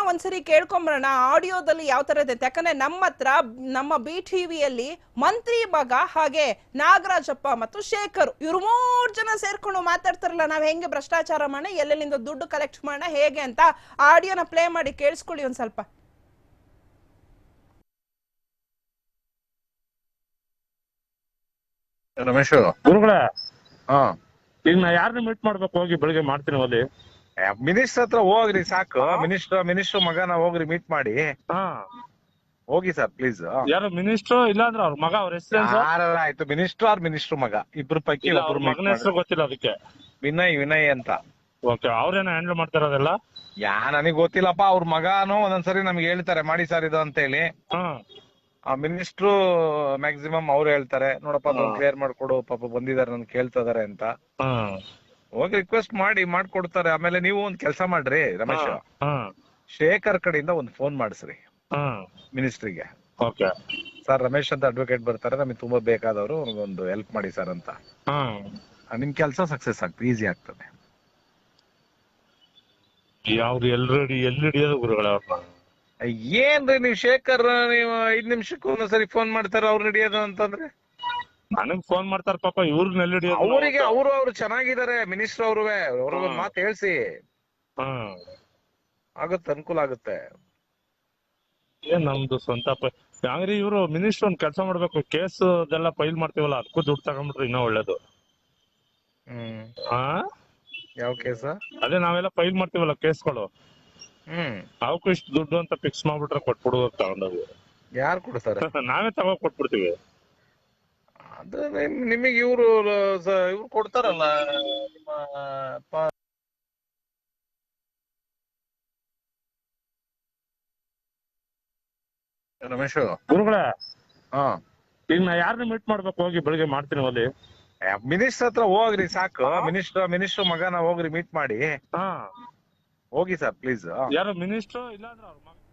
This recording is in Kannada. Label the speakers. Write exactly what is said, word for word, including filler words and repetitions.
Speaker 1: ಒಂದ್ಸರಿ ಕೇಳ್ಕೊಂಬರೋಣ ಆಡಿಯೋದಲ್ಲಿ ಯಾವ ತರ ಇದೆ. ಯಾಕಂದ್ರೆ ನಮ್ಮ ಹತ್ರ ನಮ್ಮ ಬಿ ಟಿವಿಯಲ್ಲಿ ಮಂತ್ರಿ ಮಗ ಹಾಗೆ ನಾಗರಾಜಪ್ಪ ಮತ್ತು ಶೇಖರ್ ಇವ್ರು ಮೂರ್ ಜನ ಸೇರ್ಕೊಂಡು ಮಾತಾಡ್ತಾರಲ್ಲ, ನಾವ್ ಹೆಂಗೆ ಭ್ರಷ್ಟಾಚಾರ ಮಾಡೋಣ, ಎಲ್ಲೆಲ್ಲಿಂದ ದುಡ್ಡು ಕಲೆಕ್ಟ್ ಮಾಡೋಣ ಹೇಗೆ ಅಂತ ಆಡಿಯೋನ ಪ್ಲೇ ಮಾಡಿ ಕೇಳಿಸ್ಕೊಳ್ಳಿ ಒಂದ್ ಸ್ವಲ್ಪ.
Speaker 2: ರಮೇಶ್
Speaker 3: ಗುರುಗಳೇ,
Speaker 2: ಹಾ
Speaker 3: ಈಗ ನಾ ಯಾರನ್ನ ಮೀಟ್ ಮಾಡ್ಬೇಕು? ಹೋಗಿ ಬೆಳಿಗ್ಗೆ ಮಾಡ್ತೀನಿ ಅಲ್ಲಿ.
Speaker 2: ಮಿನಿಸ್ಟರ್ ಹತ್ರ ಹೋಗ್ರಿ ಸಾಕು. ಮಿನಿಸ್ಟರ್ ಮಿನಿಸ್ಟರ್ ಮಗನ ಹೋಗ್ರಿ ಮೀಟ್ ಮಾಡಿ.
Speaker 3: ಹಾ,
Speaker 2: ಹೋಗಿ ಸರ್ ಪ್ಲೀಸ್.
Speaker 3: ಯಾರು ಮಿನಿಸ್ಟ್ರು ಇಲ್ಲಾಂದ್ರೆ ಅವ್ರ ಮಗ? ಅವ್ರ ಹೆಸರು
Speaker 2: ಯಾರಲ್ಲ ಆಯ್ತು, ಮಿನಿಸ್ಟರ್ ಆರ್ ಮಿನಿಸ್ಟರ್ ಮಗ ಇಬ್ರು ಪೈಕಿ ಒಬ್ರು ಮೀಟ್
Speaker 3: ಮಗನ ಹೆಸರು ಗೊತ್ತಿಲ್ಲ ಅದಕ್ಕೆ.
Speaker 2: ವಿನಯ್ ವಿನಯ್ ಅಂತ.
Speaker 3: Okay, ಅವ್ರೇನ handle ಮಾಡ್ತಾರದೆಲ್ಲ?
Speaker 2: ಯಾ ನನಗ್ ಗೊತ್ತಿಲ್ಲಪ್ಪ. ಅವ್ರ ಮಗನು ಒಂದೊಂದ್ಸರಿ ನಮ್ಗೆ ಹೇಳ್ತಾರೆ ಮಾಡಿ ಸರ್ ಇದು ಅಂತ ಹೇಳಿ.
Speaker 3: ಹಾ,
Speaker 2: ಆ ಮಿನಿಸ್ಟ್ರು ಮ್ಯಾಕ್ಸಿಮಮ್ ಅವ್ರು ಹೇಳ್ತಾರೆ, ನೋಡಪ್ಪ ಅದನ್ನ ಕ್ಲಿಯರ್ ಮಾಡ್ಕೊಡು, ಪಾಪ ಬಂದಿದ್ದಾರೆ ನನ್ ಕೇಳ್ತಾ ಇದಾರೆ ಅಂತ.
Speaker 3: ಹಾ,
Speaker 2: ಹೋಗಿ ರಿಕ್ವೆಸ್ಟ್ ಮಾಡಿ ಮಾಡ್ಕೊಡ್ತಾರೆ. ಆಮೇಲೆ ನೀವು ಒಂದ್ ಕೆಲಸ ಮಾಡ್ರಿ ರಮೇಶ್,
Speaker 3: ಹಾ,
Speaker 2: ಶೇಖರ್ ಕಡೆಯಿಂದ ಒಂದ್ ಫೋನ್ ಮಾಡಿಸ್ರಿ
Speaker 3: ಹಾ,
Speaker 2: ಮಿನಿಸ್ಟ್ರಿಗೆ.
Speaker 3: ಓಕೆ
Speaker 2: ಸರ್ ರಮೇಶ್ ಅಂತ ಅಡ್ವೊಕೇಟ್ ಬರ್ತಾರೆ, ನಮಗೆ ತುಂಬಾ ಬೇಕಾದವರು, ಒಂದು ಹೆಲ್ಪ್ ಮಾಡಿ ಸರ್ ಅಂತ.
Speaker 3: ಹಾ.
Speaker 2: ನಿಮ್ ಕೆಲಸ ಸಕ್ಸಸ್ ಆಗ್ತದೆ, ಈಸಿ ಆಗ್ತದೆ.
Speaker 3: ಯಾವ್ದು ಎಲ್ರೆಡಿ ಎಲ್ಲಿ ಹಿಡಿಯೋದು ಗುರುಗಳೇ ಅವ್ರನ್ನ?
Speaker 2: ಏನ್ರಿ ನೀವು ಶೇಖರ್, ನೀವು ಐದ್ ನಿಮಿಷಕ್ಕೂ ಒಂದ್ಸರಿ ಫೋನ್ ಮಾಡ್ತಾರ ಅವ್ರು ಹಿಡಿಯೋದು ಅಂತಂದ್ರೆ?
Speaker 3: ನನಗ್ ಫೋನ್ ಮಾಡ್ತಾರ ಪಾಪ, ಇವ್ರನ್ನ ಎಲ್ಲಿ ಹಿಡಿಯೋದು?
Speaker 2: ಅವರಿಗೆ ಅವರು ಅವ್ರು ಚೆನ್ನಾಗಿದ್ದಾರೆ ಮಿನಿಸ್ಟರ್ ಅವ್ರುವೆ, ಅವ್ರಿಗೊಂದ್ ಮಾತು ಹೇಳ್ಸಿ.
Speaker 3: ಹಾ,
Speaker 2: ಆಗುತ್ತೆ, ಅನುಕೂಲ ಆಗುತ್ತೆ.
Speaker 3: ಏನ್ ನಮ್ದು ಸ್ವಂತ ಪ ಹಂಗ್ರಿ ಇವ್ರು ಮಿನಿಸ್ಟರ್ ಒಂದ್ ಕೆಲಸ ಮಾಡ್ಬೇಕು, ಕೇಸ್ ಅದೆಲ್ಲ ಫೈಲ್ ಮಾಡ್ತೀವಲ್ಲ ಅದಕ್ಕೂ ದುಡ್ಡು ತಗೊಂಡ್ಬಿಟ್ರೆ ಇನ್ನೂ ಒಳ್ಳೇದು.
Speaker 2: ಹ್ಮ್
Speaker 3: ಹಾ,
Speaker 2: ಯಾವ ಕೇಸ?
Speaker 3: ಅದೇ ನಾವೆಲ್ಲ ಫೈಲ್ ಮಾಡ್ತೀವಲ್ಲ ಕೇಸ್ಗಳು,
Speaker 2: ಹ್ಮ್
Speaker 3: ಅವಕ್ಕೂ ಇಷ್ಟು ದುಡ್ಡು ಅಂತ ಫಿಕ್ಸ್ ಮಾಡ್ಬಿಟ್ರೆ ಕೊಟ್ಬಿಡುವ ತಗೊಂಡೋಗಿ.
Speaker 2: ಯಾರು ಕೊಡ್ತಾರೆ?
Speaker 3: ನಾವೇ ತಗೋ ಕೊಟ್ಬಿಡ್ತೀವಿ.
Speaker 2: ಅದು ನಿಮಗೆ ಇವ್ರು ಇವ್ರು ಕೊಡ್ತಾರಲ್ಲ ನಿಮ್ಮ ಪ- ರಮೇಶ್.
Speaker 3: ಗುರುಗಳೇ,
Speaker 2: ಹಾ
Speaker 3: ಈಗ ನಾ ಯಾರನ್ನ ಮೀಟ್ ಮಾಡ್ಬೇಕು? ಹೋಗಿ ಬೆಳಿಗ್ಗೆ ಮಾಡ್ತೀನಿ ಅಲ್ಲಿ.
Speaker 2: ಮಿನಿಸ್ಟರ್ ಹತ್ರ ಹೋಗ್ರಿ ಸಾಕು. ಮಿನಿಸ್ಟರ್ ಮಿನಿಸ್ಟರ್ ಮಗನ ಹೋಗ್ರಿ ಮೀಟ್ ಮಾಡಿ.
Speaker 3: ಹಾ,
Speaker 2: ಹೋಗಿ ಸರ್ ಪ್ಲೀಸ್.
Speaker 3: ಯಾರು ಮಿನಿಸ್ಟ್ರು ಇಲ್ಲಾಂದ್ರೆ ಅವ್ರ ಮಗ?